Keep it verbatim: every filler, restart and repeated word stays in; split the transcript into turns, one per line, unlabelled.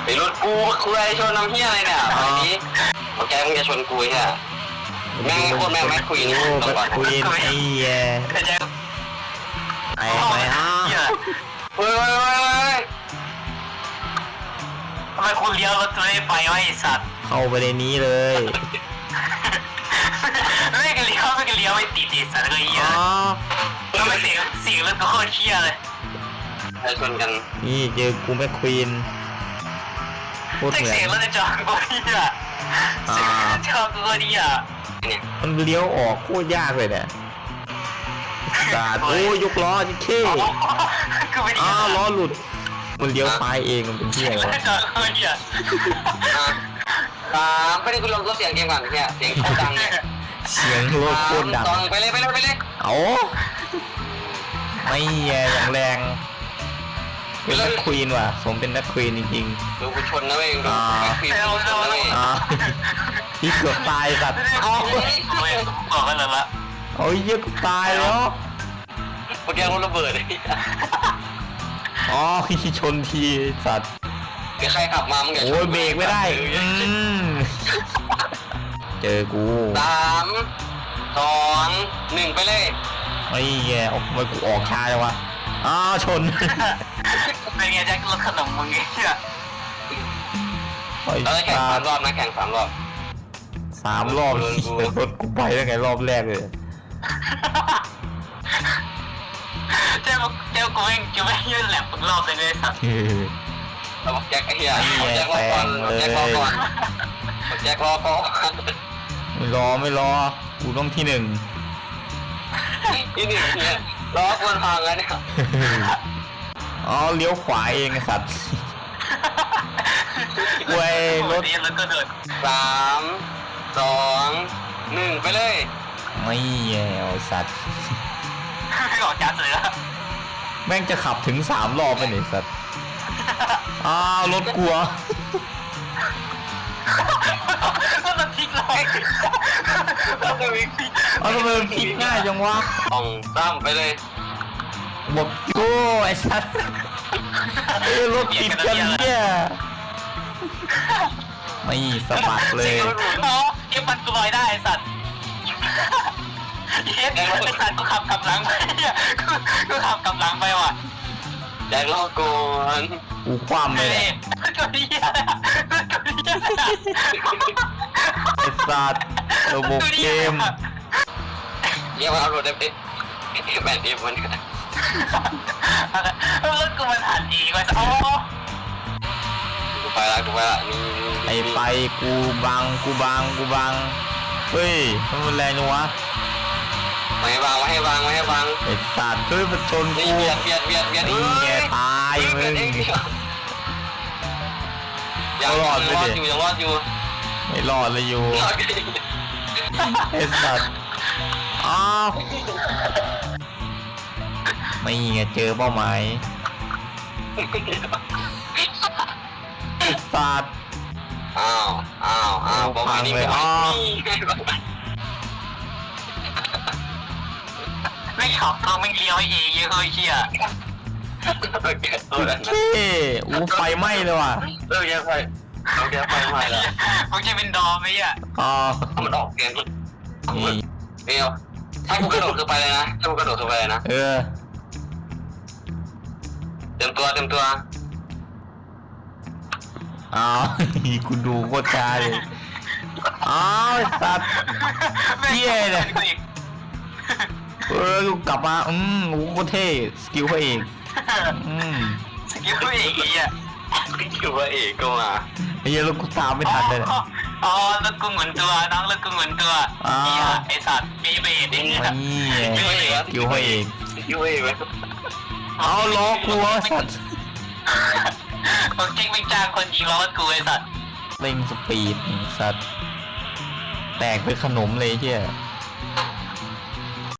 ไอ้รถกูคุยชนน้ำเฮียอะไรเนี่ยตอนนี้โอเคมึงจะชนกูใช่ไหมแม่งโคตรแม่งแม่งคุยนี่ต้องก่อน
คุยไอ้แย่ไอ้ไม่อ้า
เฮ้ยเฮ้ยเฮ้ย
ทำไมคุณเลี้ยวรถตัวนี้ไปวะไอ้สัตว์
เข้าไปในนี้เลย
ไม่กันเลี้ยวไม่กันเลี้ยวไม่ติดติดสัตว์เลยเหี้ยแล้วไม่เสียงเสียงรถก็โคตรเชี่ยเลย
ไปชนกัน
นี่เจอกูแม่ควีนพูดเหมือน
เสียงรถจอดกูเหี้ยเสียงรถจอดกูเหี้ย
มันเลี้ยวออกโคตรยากเลยเนี่ยสาดโอ้ยกล้อจิเท่อ้าวล้อหลุดมันเลี้ยวซ้ายเองมันเป็นที่อะไรวะ
สามไปดิคุณลองตัวเสียงเกมก่อนเนี่ยเสียงโคตรดังเนี่ย
เสียงรถโคตรดัง
ไปเลยไปเลยไปเลย
เอาไม่แย่อย่างแรงเป็นนักควีนว่ะสมเป็นนักควีนจริง
ๆดูกูชนนะเว้ยดูนักควีนชนนะเว้ย
ที่เกือบตายสัตว์
เอาบอกกันแล้วละ
โอ้ยเยอะกูตายแล้ว
เมื่อกี้รถระเบิด
อ๋อชนทีสัตว์
ใครขับมามึงอย่าชน
โอ้ยเบรกไม่ได้เจอกู
สามสองหนึ่งไปเลย
ไอ้แย่ออกมากูออกช้าเลยวะอ้าวชน
เป็นไงแจ็ครถขนมมึงเนี่ย
เราได้แข่งสามรอบนะแข่งสามรอบ
สามรอบรถกูไปได้ไงรอบแรกเลย
เจ้าเจ้ากูเองจะไม่ยืนแหลมทุกรอบเลยเลยสัตว์
เราบอกแจ็คไอ้เหี้ยแจ็ครอก่อนแจ็ครอก่อนแจ็ครอก่อน
ไม่รอไม่รอกูต้องที่หนึ่ง
ที่หนึ่งเนี่ยรอคนพังแล้วเนี่ย
อ๋อเลี้ยวขวาเองสัตว์เว้ยรถ
สามสองหนึ่งไปเลย
ไม่แย่สัตว์
ไม่ออกจัดเลยละ
แม่งจะขับถึงสามรอบไปเนี่ยสัตว์อ้าวรถกลัว
ก็มันพลิกเลย
เอาทำไมมันพลิกง่ายจังวะ
ต้องตั้มไปเลย
บอกโอ้ไอ้สัตว์เออรถติดกันเนี่ยไม่สะบัดเลย
อ๋อเก็บมันกูลอยได้ไอ้สัตว์เฮ็ดไอ้สัตว์กูขับกลับหลังไปเนี่ยกูขับกลับหลังไปว่ะ
แจ็ครอก่อน
กูคว่ำเลย
ก็ดีอ่ะก็ดีอ่ะ
ไอ้สัตว์ระบบเกม
เยี่ยมเอารถได้เป็นแบนเอฟมัน
รถกูมันหันดีกว่าอ๋อ
กูไปละกูไปละนี่
ไอ้ไปกูบังกูบังกูบังเฮ้ยมันแรงจังวะ
ไม่ให้วางไม่ให้วางไม่ให้วาง
ไอ้สัตว์เฮ้ยมันชนกู
เบียดเบียดเบียดเบียด
นี่แกตายมึง
ยังรอดอยู่ยังรอดอยู่
ไม่รอดเลยอยู่ไอ้สัตว์อ้าวไม่ไงเจอเป้าหมายไอ้สัตว์
อ้าวอ้าวอ้าวเป้าหมายนี้ไม่อ้าว
ไม่ขับตัวไม่เลี้ยวเองเยอะเลยเชี่ย
เฮ้ยอู้ไฟไหม้เลยว่ะ
เออแกไฟเราแกไฟไหม้แล้ว
มันจะเป็นดอมไหมอ่ะ
อ๋อ
มันออกเกมนี่เดียวถ้ากูกระโดดลงไปเลยนะถ้ากูกระโดดลงไปเลยนะ
เออ
เต็มตัวเต็มตัว
อ้าวกูดูโคตรช้าเลยอ้าวสัตว์เหี้ยเลยเออกูกลับมาอืมโอ้โคตรเท่สกิลพระเอกอืม
สกิลพระเอกไอ้เนี่ย
สกิลพระเอกก็มา
ไอ้เหี้ยรถกูตามไม่ทันเลย
อ๋อรถกูเหมือนตัวน้องรถกูเหมือนตัวไอ้สัตว์มีเบรดไอ้เนี่ย
สกิลพระเอก
สกิลพระเอกไหม
เอาล้อกูสัตว์
ผมเจ๊งไม่จ้างคนยิงล้อกูไอ้สัตว์
เร่งสปีดสัตว์แตกเป็นขนมเลยเชี่ย